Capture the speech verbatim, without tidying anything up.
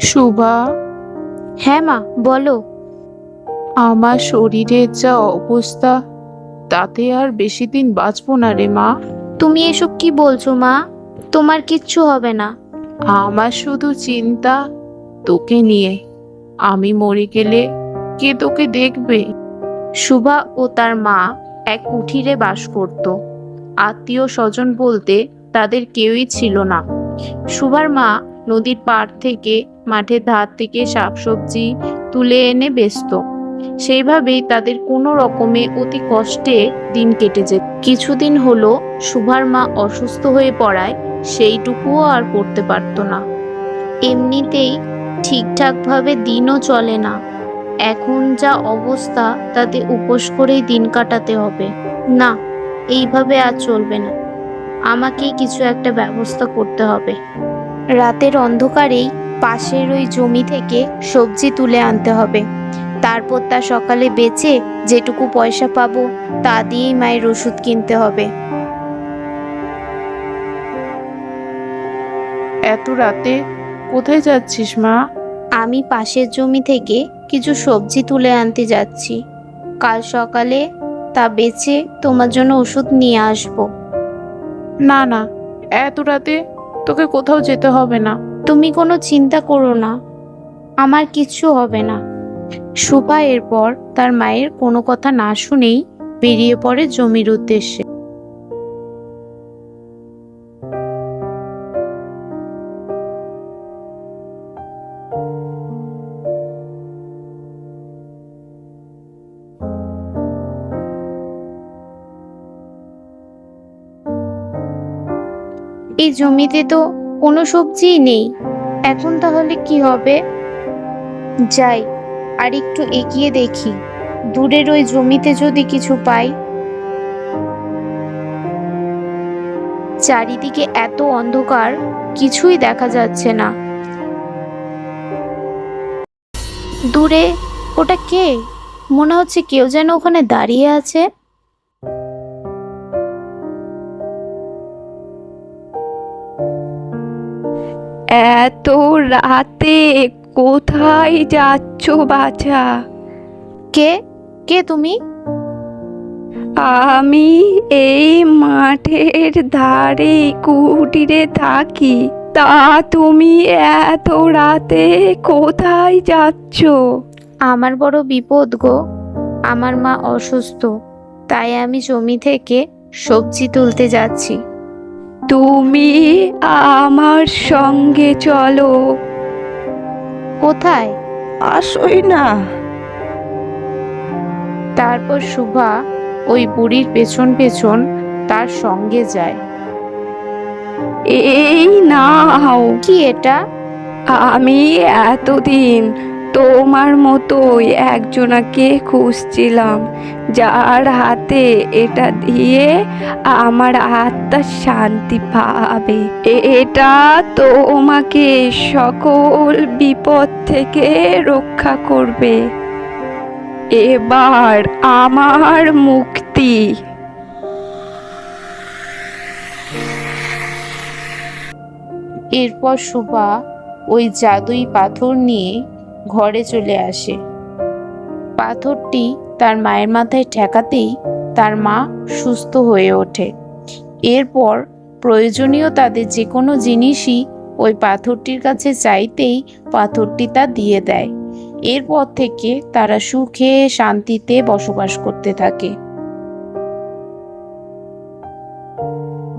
শুভা, হ্যাঁ মা, বলো। আমার শরীরের যা অবস্থা, তাতে আর বেশি দিন বাঁচবো না রে মা। তুমি এসব কি বলছো মা? তোমার কিচ্ছু হবে না। আমার শুধু চিন্তা তোকে নিয়ে। আমি মরে গেলে কে তোকে দেখবে? সুভা ও তার মা এক কুঠিরে বাস করত। আত্মীয় স্বজন বলতে তাদের কেউই ছিল না। সুভার মা নদীর পাড় থেকে, মাঠের ধার থেকে শাকসবজি তুলে এনে বেচত। সেইভাবেই তাদের কোনো রকমে অতি কষ্টে দিন কেটে যেত। কিছুদিন হলো সুভার মা অসুস্থ হয়ে পড়ায় সেইটুকুও আর করতে পারতো না। এমনিতেই ঠিকঠাকভাবে দিনও চলে না। এখন যা অবস্থা, তাতে উপোস করেই দিন কাটাতে হবে। না, এইভাবে আর চলবে না। আমাকেই কিছু একটা ব্যবস্থা করতে হবে। রাতের অন্ধকারেই পাশের ওই জমি থেকে সবজি তুলে আনতে হবে। তারপর তা সকালে বেচে যেটুকু পয়সা পাবো, তা দিয়েই মায়ের ওষুধ কিনতে হবে। এত রাতে কোথায় যাচ্ছিস মা? আমি পাশের জমি থেকে কিছু সবজি তুলে আনতে যাচ্ছি। কাল সকালে তা বেচে তোমার জন্য ওষুধ নিয়ে আসবো। না না, এত রাতে তোকে কোথাও যেতে হবে না। তুমি কোনো চিন্তা করো না, আমার কিচ্ছু হবে না। সুভা এরপর তার মায়ের কোনো কথা না শুনেই বেরিয়ে পড়ে জমির উদ্দেশ্যে। এই জমিতে তো কোনো সবজিই নেই। এখন তাহলে কি হবে? যাই, আর একটু এগিয়ে দেখি, দূরের ওই জমিতে যদি কিছু পাই। চারিদিকে এত অন্ধকার, কিছুই দেখা যাচ্ছে না। দূরে ওটা কে? মনে হচ্ছে কেউ যেন ওখানে দাঁড়িয়ে আছে। এত রাতে কোথায় যাচ্ছ বাছা? কে? কে তুমি? আমি এই মাঠের ধারে কুটিরে থাকি। তা তুমি এত রাতে কোথায় যাচ্ছ? আমার বড় বিপদ গো। আমার মা অসুস্থ, তাই আমি জমি থেকে সবজি তুলতে যাচ্ছি। তুমি আমার সঙ্গে চলো। কোথায়? আসোই না। তারপর শুভা ওই বুড়ির পেছন পেছন তার সঙ্গে যায়। এই নাও। কি এটা? আমি এতদিন তোমার মতোই একজনাকে খুঁজছিলাম, যার হাতে এটা দিয়ে আমার আত্মা শান্তি পাবে। এটা তোমাকে সকল বিপদ থেকে রক্ষা করবে। এবার আমার মুক্তি। এরপর শুভা ওই জাদুই পাথর নিয়ে ঘরে চলে আসে। পাথরটি তার মায়ের মাথায় ঠেকাতেই তার মা সুস্থ হয়ে ওঠে। এরপর প্রয়োজনীয় তাদের যে কোনো জিনিসই ওই পাথরটির কাছে চাইতেই পাথরটি তা দিয়ে দেয়। এরপর থেকে তারা সুখে শান্তিতে বসবাস করতে থাকে।